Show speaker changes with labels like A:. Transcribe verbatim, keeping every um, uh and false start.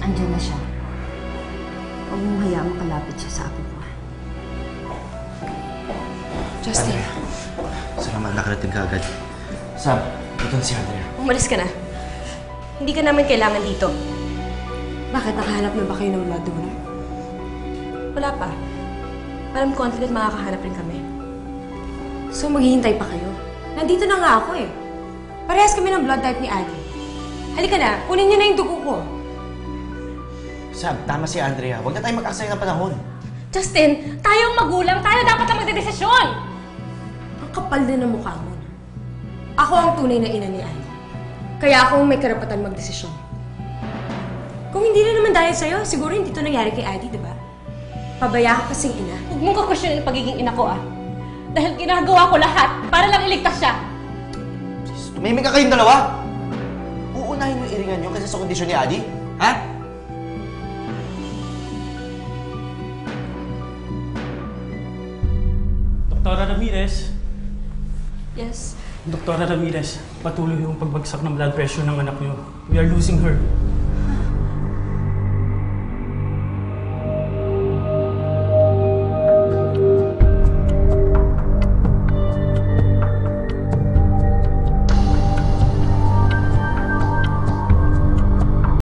A: Andiyan na siya. Huwag mong hayaang makalapit siya sa apo ko.
B: Justin.
C: Salamat, nakarating ka agad. Sam, ito si Andrea.
B: Umalis ka na. Hindi ka namin kailangan dito.
A: Bakit? Nakahanap na ba kayo ng blood donor?
B: Wala pa. Alam ko, confident makakahanap rin kami.
A: So, maghihintay pa kayo? Nandito na nga ako eh. Parehas kami ng blood type ni Adi. Halika na, kunin niyo na yung dugo ko.
C: Sam, tama si Andrea. Huwag na tayo mag-aksaya ng panahon.
B: Justin, tayong magulang, tayo dapat ang magdedesisyon!
A: Ang kapal din ng mukha mo. Ako ang tunay na ina ni Adi. Kaya ako may karapatan magdesisyon. Kung hindi na naman dahil sa'yo, siguro hindi ito nangyari kay Adi, di ba? Pabaya ka kasing ina.
B: Huwag mong kakwestiyonin ang pagiging ina ko, ah. Dahil ginagawa ko lahat para lang iligtas siya.
C: Please, tumimik ka kayong dalawa! Uunahin mo iringan nyo kasi sa kondisyon ni Adi? Ha?
D: Doktora Ramirez.
B: Yes.
D: Doktora Ramirez, patuloy yung pagbagsak ng blood pressure ng anak niyo. We are losing her.